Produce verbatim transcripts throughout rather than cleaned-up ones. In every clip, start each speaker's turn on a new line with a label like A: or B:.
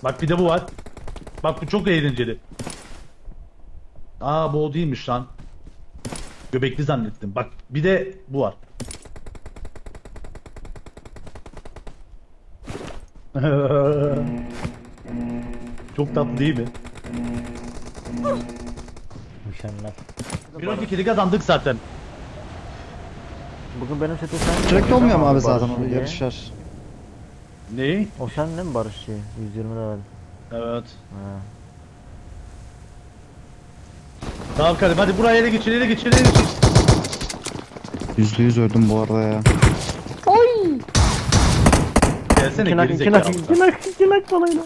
A: Bak bir de bu var. Bak bu çok eğlenceli. Aa bu o değilmiş lan. Göbekli zannettim. Bak bir de bu var. Çok tatlı değil mi?
B: Mükemmel.
A: Bir önceki lig adamdık zaten.
B: Bugün benim seti sen...
C: Sürekli olmuyor mu abi zaten
B: Barış
C: o
B: diye.
C: yarışlar?
A: Neyi?
B: O sen değil mi Barışçı? yüz yirmi level.
A: Evet.
B: Ha.
A: Tamam kardeşim hadi buraya ele geçin ele geçin ele geçin.
C: Yüzde yüz öldüm bu arada ya.
D: Oy!
A: Gelsene
B: İki nak,
A: geri
B: iki nak,
A: zekalı.
B: iki nak, iki nak balayla.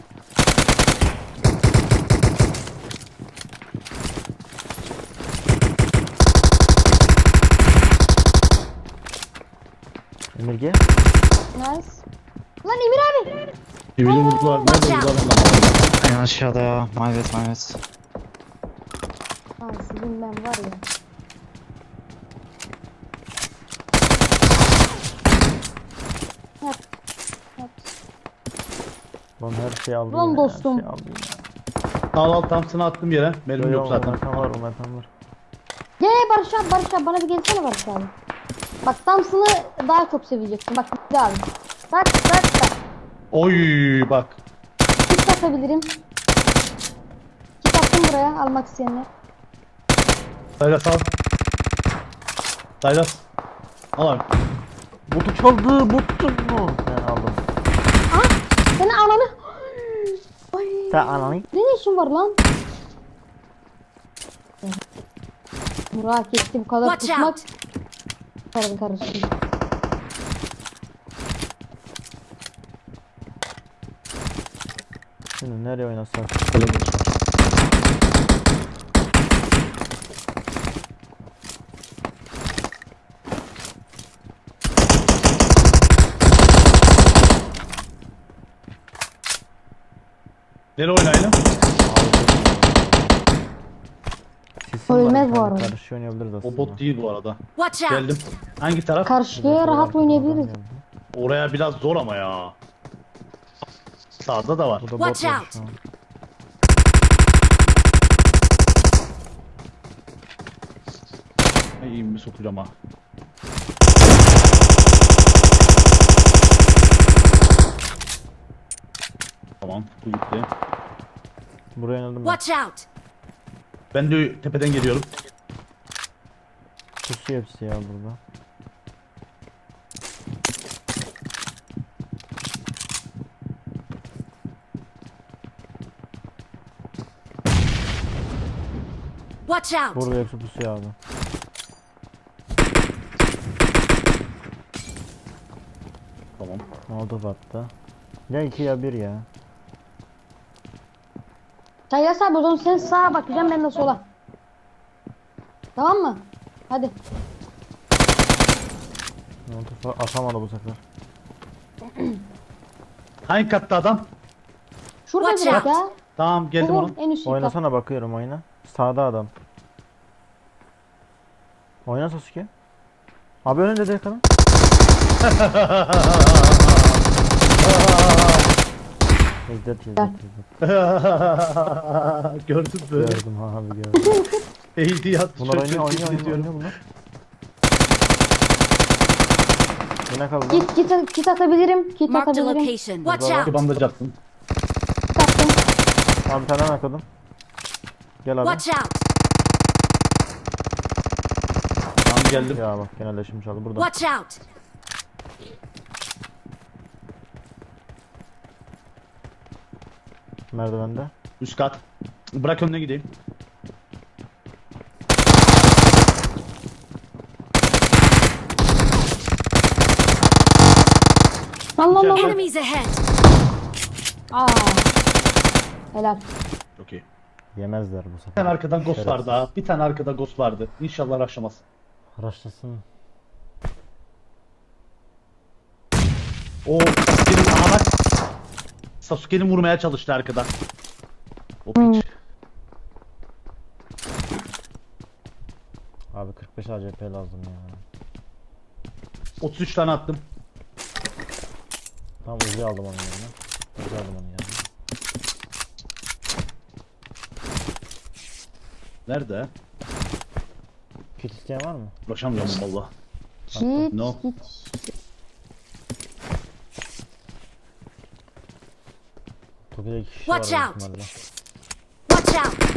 B: Emirge.
D: Nice. Lan Emir abi.
A: Emir'i vurdular. Nerede
D: Watch
A: vurdular lan?
C: En aşağıda ya. Mayvet mayvet.
D: Lan sizin ben var ya. Yap. Yap.
B: Lan her şeyi aldım.
D: Lan
B: ya,
D: dostum.
B: Her şeyi aldım ya.
A: Al al Thompson'ı attım yere. Benim yok zaten.
B: Zaten var, Umertan var.
D: Gel Barış abi Barış abi bana bir gelsene Barış abi. Bak Thompson'ı daha çok seveceksin. Bak bir abi. Bak bak bak.
A: Oy bak.
D: Kit atabilirim. Kit attım buraya almak isteyenler.
A: Saylas al. Saylas. Al abi.
B: Botu çaldı, botu mu? Ben aldım.
D: Ha? Senin ananı. Ay.
B: Sen ananı.
D: Ne işin var lan? Murat etti bu kadar
E: Watch
D: tutmak.
E: out.
D: Karın karıştı.
B: Şimdi nereye oynasak?
A: Nereye oynayalım?
B: Sisim
D: Ölmez
B: var,
D: bu
B: yani
D: arada.
B: karşı oynayabiliriz aslında.
A: O bot değil bu arada.
E: Watch out.
A: Geldim. Hangi taraf?
D: Karşıya rahat oynayabiliriz.
A: Oraya biraz zor ama ya. Sağda da var.
B: Bu da bot
E: Watch
B: var
E: out.
B: şu an.
A: İyiyim bir sokacağım ha. Tamam bu gitti.
B: Buraya oynadım ben.
E: Watch out.
A: Ben de tepeden geliyorum.
B: Kusuyor hepsi ya burada.
E: Watch out.
B: Burada hepsi pusuyor abi.
A: Tamam.
B: Molotof attı. Ya iki ya bir ya.
D: Saylas abi o zaman sen sağa bakacaksın ben de sola. Tamam mı? Hadi.
B: Molotof atamadı bu sefer.
A: Hangi katta adam?
D: Şurada
E: Watch
D: direkt
E: out.
D: ya.
A: Tamam geldim
D: Bu
A: onun.
D: en üst kat.
B: Oynasana bakıyorum oyna. Sağda adam. Oyna Sasuke. Abi önünde de yakala. İzlet izlet izlet.
A: Gördün mü?
B: Gördüm abi gördüm.
A: Eğildi yattı.
B: Bunlar
A: çok
B: oynuyor
A: kötü
B: oynuyor oynuyor,
A: hissediyorum.
B: oynuyor bunlar. Yine kaldı.
D: Git git git atabilirim. Git
E: Marked a
D: atabilirim.
E: location. Watch
B: Burada var.
E: out.
A: Bir bandaj attım.
D: Git attım.
B: Abi bir tane daha yakaladım. Gel abi.
E: Watch out.
A: Tamam geldim.
B: Ya bak gene leşim çaldı burada.
E: Watch out.
B: Merdivende.
A: Üst kat. Bırak önüne gideyim.
D: Lan lan lan. lan.
E: Enemies ahead.
D: Aa. Helal.
A: Çok iyi.
B: Yemezler bu
A: Bir
B: sefer.
A: tane arkadan ghost vardı ha. Bir tane arkada ghost vardı. İnşallah aşamaz.
B: Raşlasın.
A: O Sasuke'nin aha bak. Sasuke'nin vurmaya çalıştı arkadan. O piç.
B: Abi kırk beş A C P lazım ya.
A: otuz üç tane attım.
B: Tamam Uzi aldım onun yerine. Uzi aldım onun yerine.
A: Nerede?
B: Kit isteyen var mı?
A: Ulaşamıyorum valla.
D: Git
A: No.
D: git.
B: Toki'de iki kişi
E: Watch
B: var.
E: out.
B: büyük ihtimalle.
E: Watch out!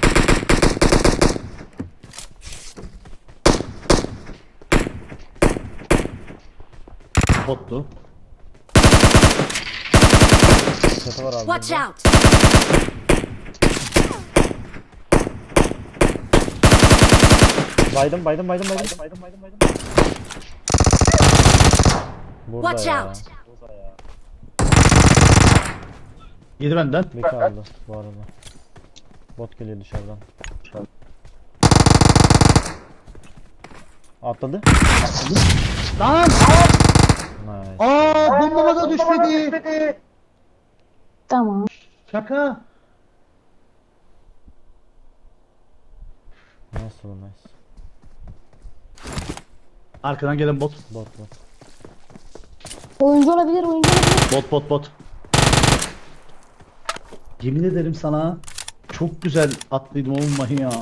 A: Bottu.
B: Çatı var abi.
E: Watch
B: burada.
E: out!
B: Baydım baydım baydım baydım baydım baydım baydım. Burada
E: Watch
B: ya.
E: out!
B: Burada ya.
A: Yedi benden.
B: Bir kaldı bu arada. Bot geliyor dışarıdan. Atladı.
A: Lan!
B: Nice.
A: Aa bombama da düşmedi.
D: Tamam.
A: Şaka.
B: Nice oğlum nice.
A: Arkadan gelen bot.
B: Bot bot.
D: Oyuncu olabilir, oyuncu olabilir.
A: Bot bot bot. Yemin ederim sana çok güzel atlıydım vallahi ya.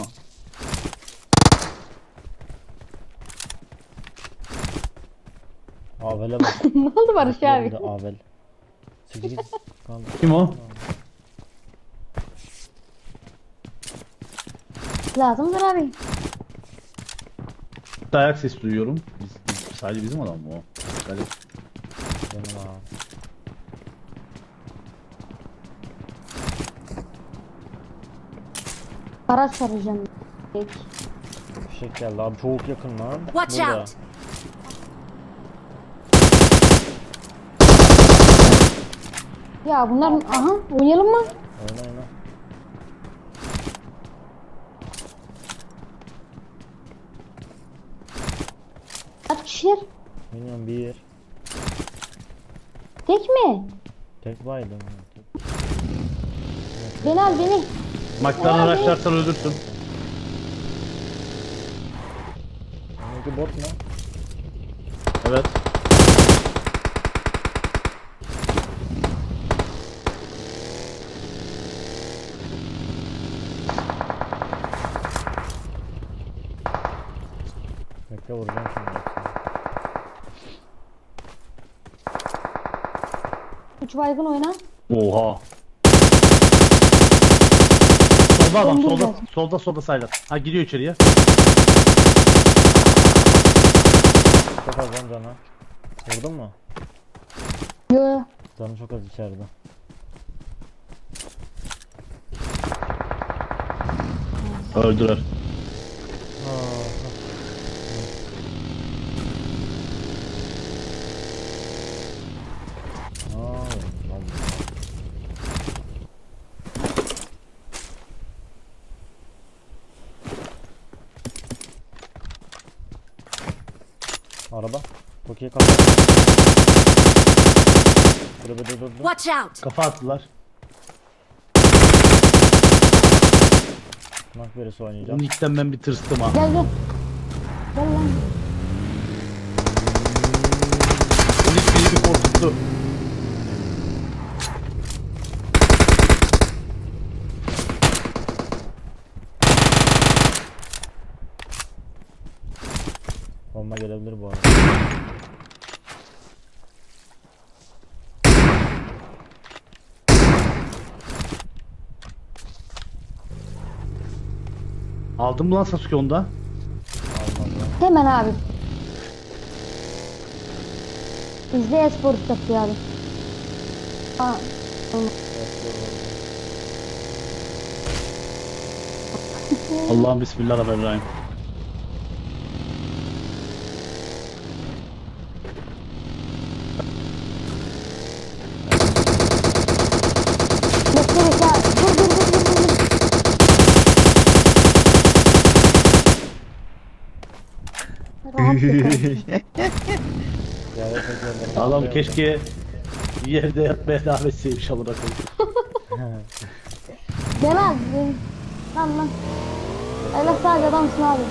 B: Avel'e bak.
D: Ne oldu Barış abi?
B: Yerinde Avel. sekiz kaldı.
A: Kim o?
D: Lazımdır abi.
A: Dayak sesi duyuyorum. Biz, biz- sadece bizim adam mı o? Garip.
B: Benim abi.
D: Araç arayacağım. Peki.
B: Fişek geldi abi çok yakın lan.
E: Watch
B: Burada.
E: out!
D: Ya bunlar aha oynayalım mı?
B: Oyna oyna.
D: Kaç kişiler?
B: Minyon bir.
D: Tek mi?
B: Tek baydım. Tek.
D: Beni al beni.
A: Maktan araçlarsan ölürsün.
B: Onunki bot mu?
A: Evet.
B: Bekle vuracağım şimdi. hepsini.
D: Üç baygın oyna.
A: Oha. Solda adam
D: Döndür
A: solda
D: biraz.
A: solda solda saylar. Ha gidiyor içeriye.
B: Çok az lan cana. Vurdun mu?
D: Yo.
B: Canı çok az içeride.
A: Öldürer.
B: Aa, lan. Araba. Toki'ye kapat. Dur dur dur dur.
E: Watch out!
A: Kafa attılar.
B: Nak birisi oynayacağım.
A: Bunun ilkten ben bir tırstım ha.
D: Gel gel. Gel lan.
A: Bunun ilk beni bir korkuttu.
B: Bomba gelebilir bu arada.
A: Aldın mı lan Sasuke onda?
B: Almaz lan.
D: Hemen abi. Bizde espor yapıyor abi. Aa,
A: Allah'ım bismillahirrahmanirrahim.
D: bekle bekle. Dur dur dur dur dur. Rahat bekle.
B: Ziyaret ediyorlar.
A: Adam keşke yerde yatmaya davet etseymiş amına koyayım.
D: Gel abi. gel. Lan lan. Öyle sadece adamsın abi.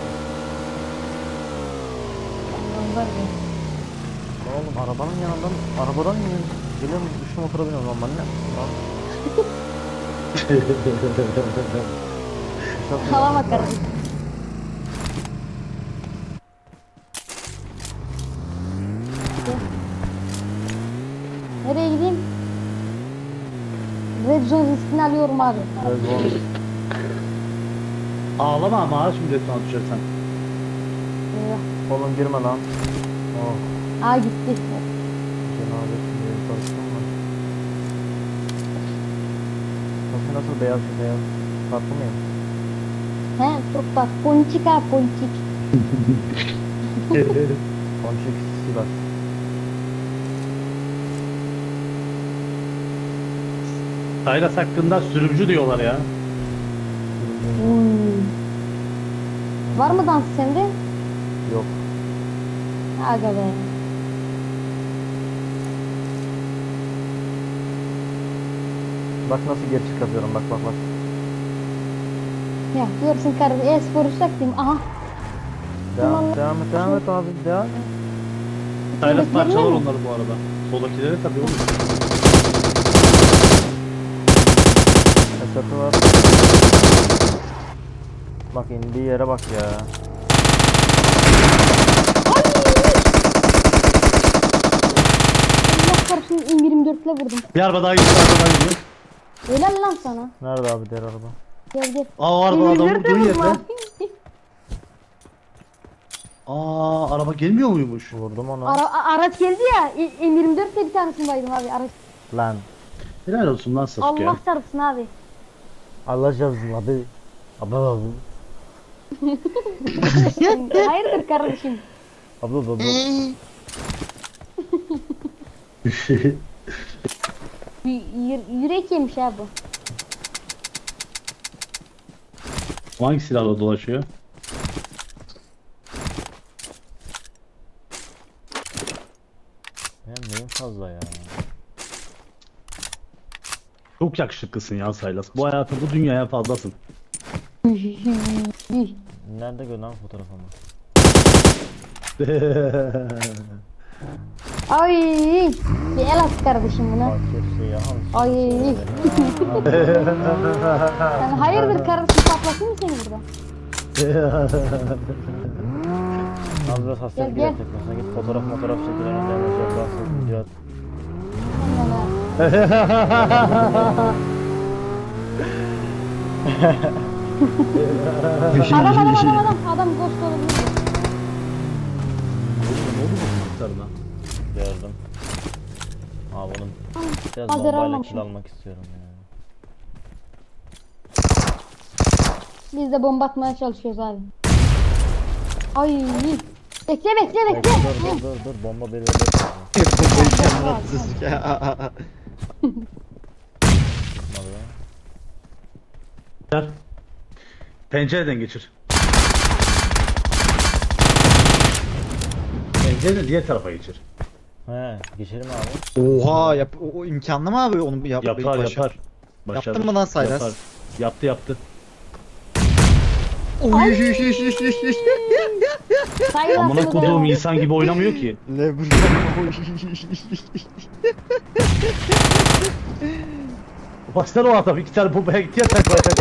D: Lan var ya.
B: Oğlum arabanın yanından arabadan iniyor. Geliyor mu? Düştüm motora biniyorum lan ben ne? Lan.
D: Hava bakarım. red zone riskini alıyorum abi.
B: Red zone.
A: Ağlama ama ha şimdi resmen düşersen.
D: Eyvah.
B: Oğlum girme lan. Oh.
D: Aa gitti.
B: Cenabet şimdi çalıştım mı? Nasıl nasıl beyaz şu beyaz? Tatlı mıyım?
D: He çok bak. Ponçik ha ponçik.
B: Ponçik Sivas.
A: Saylas hakkında sürümcü diyorlar ya.
D: Hmm. Var mı dans sende?
B: Yok.
D: Aga be.
B: Bak nasıl geri çıkartıyorum bak bak bak.
D: Ya görsün kardeşim. E-spor uçak diyeyim. Aha.
B: Devam,
D: Allah.
B: devam et devam et abi devam et.
A: Saylas
D: Şöyle
A: parçalar
D: girme mi?
A: onları bu arada. Soldakileri tabii oğlum.
B: Esatı var. Bak indiği yere bak ya.
D: Allah karşını M yirmi dört ile vurdum.
A: Bir araba daha gidiyor, araba daha gidiyor.
D: Helal lan sana.
B: Nerede abi diğer araba?
D: Gel gel.
A: Aa o araba
D: M yirmi
A: adamın
D: dört
A: durduğu
D: ile
A: yerde.
D: vurdum.
A: Aa araba gelmiyor muymuş?
B: Vurdum onu.
D: Ara a- araç geldi ya. M yirmi dört ile bir tanesindeydim abi. Araç.
B: Lan.
A: Helal olsun lan Sasuke.
D: Allah çarpsın abi.
B: Allah çarpsın abi. Abi abi.
D: Hayırdır kardeşim?
B: Abi abi.
D: Y- y- yürek yemiş abi bu.
A: Hangi silahla dolaşıyor?
B: Benim neyim fazla ya.
A: Çok yakışıklısın ya Saylas. Bu hayata, bu dünyaya fazlasın.
B: Nerede gör lan fotoğrafımı?
D: Ay, bir el at kardeşim buna.
B: Fakir şey ya.
D: Ay. Sen hayırdır kardeşim, patlasın mı seni burada?
B: Az biraz hassas
D: Gel,
B: girer
D: gel.
B: teknosuna git fotoğraf fotoğraf çekilen demez yok rahatsız video at.
D: Adam adam adam adam adam ghost olabilir.
A: Ne oldu bu kızlarına?
B: Gördüm. Abi onun biraz
D: Hazır
B: bombayla
D: almamışım.
B: kill almak istiyorum ya.
D: Biz de bomba atmaya çalışıyoruz abi. Ay. Bekle bekle
B: Dur
D: bekle.
B: dur dur dur, dur. Bomba bir böyle.
C: Bombayı kendine atıyorsun ya.
B: Abi.
A: Gel. Pencereden geçir. Pencereden diğer tarafa geçir.
B: He, geçelim abi.
C: Oha yap o, o imkanlı mı abi onu yap
A: Yapar
C: başar-
A: yapar. Başarır.
C: Yaptın mı lan Saylas?
A: Yapar. Yaptı yaptı.
C: Oy.
D: Sayın
A: Amına
D: aslında
A: koduğum
D: devam.
A: insan gibi oynamıyor ki.
C: Ne bu?
A: Baksana o adam iki tane bombaya gitti ya sen bayağı.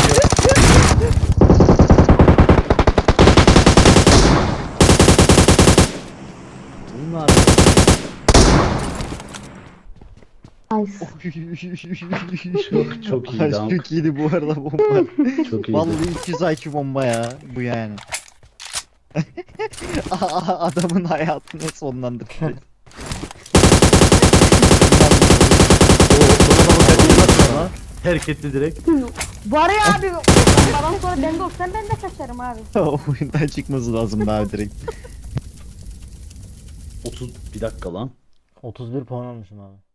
A: Bunlar.
D: Ay.
A: Çok çok iyi
C: Ay,
A: lan.
C: çok iyiydi bu arada bomba.
A: Çok iyi.
C: Vallahi iki yüz I Q bomba ya bu yani. Adamın hayatını sonlandırdı.
A: Terk etti direkt.
D: Var ya abi. Ondan sonra ben de olsam ben de kaçarım abi.
C: Oyundan çıkması lazım daha direkt.
A: otuz bir dakika lan.
B: otuz bir puan almışım abi.